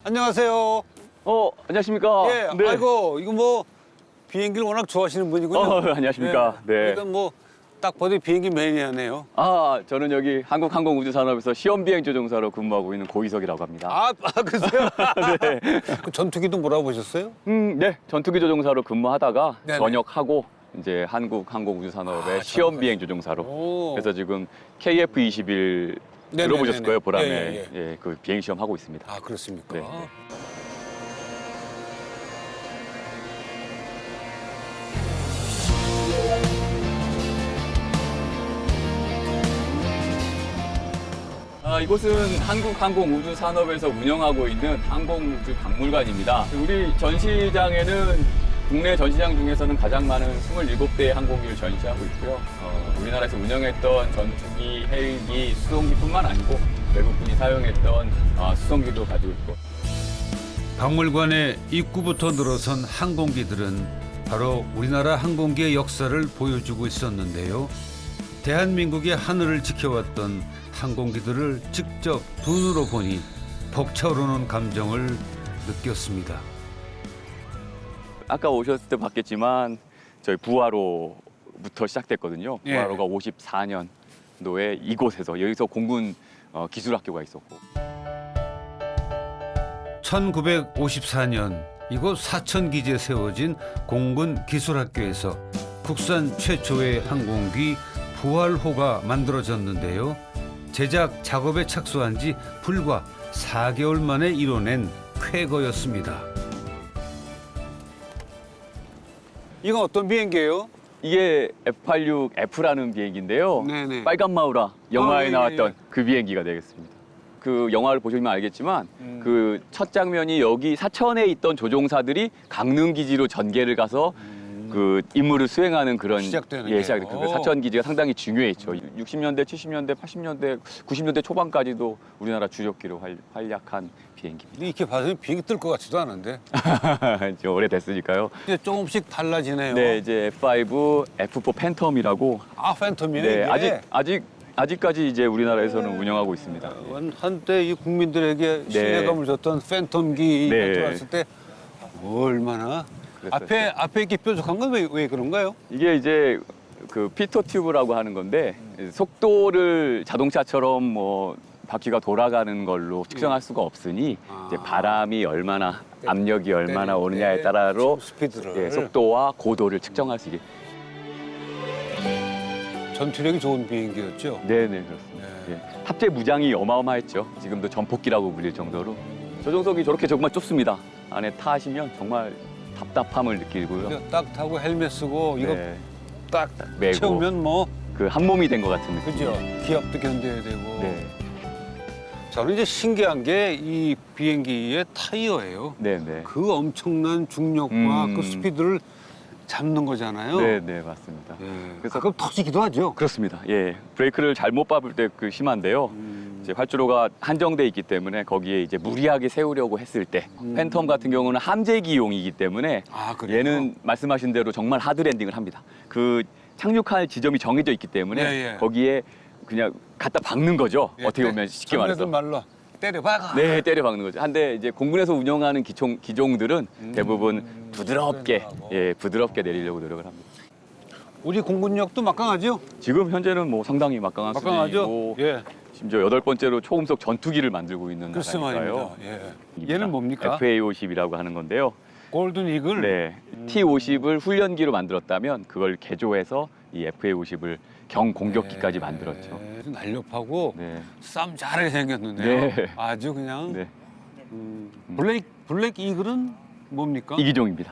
안녕하세요. 안녕하십니까. 예, 네. 아이고 이거 뭐 비행기를 워낙 좋아하시는 분이군요. 안녕하십니까. 네. 그러니까 뭐 딱 봐도 비행기 매니아네요. 저는 여기 한국항공우주산업에서 시험비행 조종사로 근무하고 있는 고희석이라고 합니다. 그러세요? 네. 그 전투기도 몰아보셨어요? 네. 전투기 조종사로 근무하다가 네네. 전역하고 이제 한국항공우주산업의 시험비행 조종사로. 오. 그래서 지금 KF-21 네네네네. 들어보셨을 거예요, 보람에. 예, 그 비행 시험 하고 있습니다. 그렇습니까? 네. 이곳은 한국항공우주산업에서 운영하고 있는 항공우주박물관입니다. 우리 전시장에는 국내 전시장 중에서는 가장 많은 27대의 항공기를 전시하고 있고요. 우리나라에서 운영했던 전투기, 헬기, 수송기뿐만 아니고 외국분이 사용했던 수송기도 가지고 있고. 박물관의 입구부터 늘어선 항공기들은 바로 우리나라 항공기의 역사를 보여주고 있었는데요. 대한민국의 하늘을 지켜왔던 항공기들을 직접 눈으로 보니 벅차오르는 감정을 느꼈습니다. 아까 오셨을 때 봤겠지만 저희 부하로부터 시작됐거든요. 예. 부하로가 54년도에 이곳에서 여기서 공군 기술학교가 있었고. 1954년 이곳 사천기지에 세워진 공군 기술학교에서 국산 최초의 항공기 부활호가 만들어졌는데요. 제작 작업에 착수한 지 불과 4개월 만에 이뤄낸 쾌거였습니다. 이건 어떤 비행기예요? 이게 F-86F라는 비행기인데요. 네네. 빨간 마우라 영화에 예, 나왔던 예. 그 비행기가 되겠습니다. 그 영화를 보시면 알겠지만 그 첫 장면이 여기 사천에 있던 조종사들이 강릉 기지로 전개를 가서 그 임무를 수행하는 그런 시작되는 시작. 게요. 그 사천 기지가 상당히 중요했죠. 60년대, 70년대, 80년대, 90년대 초반까지도 우리나라 주력기로 활약한 비행기입니다. 이렇게 봐서는 비행기 뜰 것 같지도 않은데. 좀 오래됐으니까요. 이제 조금씩 달라지네요. 네, 이제 F5, F4 팬텀이라고. 팬텀이네. 네, 이게. 아직까지 이제 우리나라에서는 운영하고 있습니다. 한때 이 국민들에게 네. 신뢰감을 줬던 팬텀기가 네. 들어왔을 때 얼마나 그랬었죠. 앞에 이렇게 뾰족한 건 왜 그런가요? 이게 이제 그 피터 튜브라고 하는 건데 속도를 자동차처럼 뭐 바퀴가 돌아가는 걸로 측정할 수가 없으니 이제 바람이 얼마나 압력이 얼마나 오느냐에 따라로 스피드를 속도와 고도를 측정할 수 있게. 전투력이 좋은 비행기였죠. 네네 그렇습니다. 예. 탑재 무장이 어마어마했죠. 지금도 전폭기라고 불릴 정도로. 조종석이 저렇게 정말 좁습니다. 안에 타시면 정말 답답함을 느끼고요. 이거 딱 타고 헬멧 쓰고 이거 네, 딱 메고. 채우면 뭐 그 한 몸이 된 것 같은 느낌. 그죠? 기압도 견뎌야 되고. 네, 저는 이제 신기한 게 이 비행기의 타이어예요. 네네. 그 엄청난 중력과 음. 그 스피드를 잡는 거잖아요. 네네 맞습니다. 예. 그래서- 가끔 터지기도 하죠. 그렇습니다. 예, 브레이크를 잘못 밟을 때 그 심한데요. 이제 활주로가 한정돼 있기 때문에 거기에 이제 무리하게 세우려고 했을 때 팬텀 같은 경우는 함재기용이기 때문에 그래요? 얘는 말씀하신 대로 정말 하드 랜딩을 합니다. 그 착륙할 지점이 정해져 있기 때문에 예, 예. 거기에 그냥 갖다 박는 거죠. 예, 어떻게 보면 쉽게 말해서. 말로 때려박아. 네, 때려 박는 거죠. 한데 이제 공군에서 운영하는 기종들은 대부분 부드럽게 부드럽게 내리려고 노력을 합니다. 우리 공군력도 막강하죠? 지금 현재는 뭐 상당히 막강한 막강하죠? 수준이고 예. 심지어 8번째로 초음속 전투기를 만들고 있는 글쎄 나라니까요. 말입니다. 예. 얘는 뭡니까? FA-50이라고 하는 건데요. 골든 이글. 네, T-50을 훈련기로 만들었다면 그걸 개조해서 이 FA-50을 경공격기까지 만들었죠. 날렵하고 네, 싸움 잘하게 생겼는데요. 네. 아주 그냥 네, 블랙 이글은 뭡니까? 이기종입니다.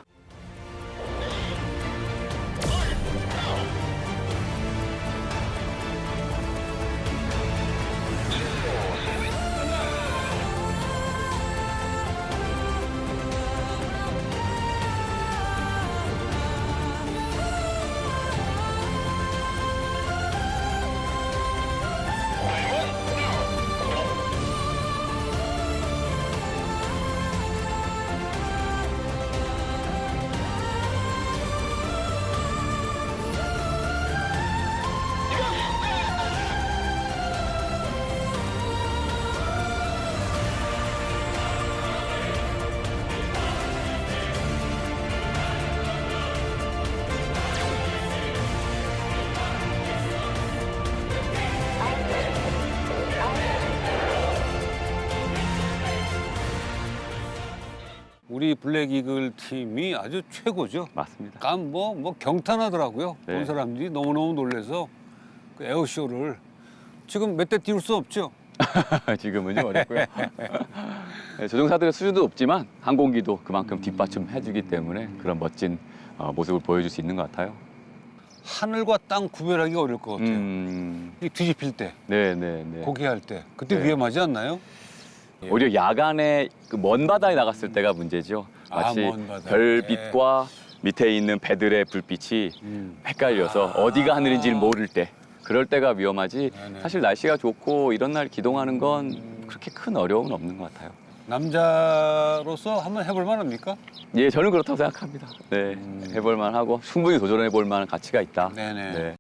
우리 블랙 이글 팀이 아주 최고죠. 맞습니다. 감 뭐 경탄하더라고요. 네. 본 사람들이 너무너무 놀라서 그 에어쇼를 지금 몇 대 띄울 수 없죠. 지금은요 어렵고요. 네, 조종사들의 수준도 높지만 항공기도 그만큼 뒷받침해주기 때문에 그런 멋진 모습을 보여줄 수 있는 것 같아요. 하늘과 땅 구별하기가 어려울 것 같아요. 이 뒤집힐 때, 네네네. 고개할 때, 그때 네. 위험하지 않나요? 오히려 야간에 그 먼 바다에 나갔을 때가 문제죠. 마치 먼 바다. 별빛과 밑에 있는 배들의 불빛이 헷갈려서 어디가 하늘인지를 모를 때 그럴 때가 위험하지. 네네. 사실 날씨가 좋고 이런 날 기동하는 건 그렇게 큰 어려움은 없는 것 같아요. 남자로서 한번 해볼 만합니까? 예, 저는 그렇다고 생각합니다. 네, 해볼 만하고 충분히 도전해 볼 만한 가치가 있다. 네네. 네.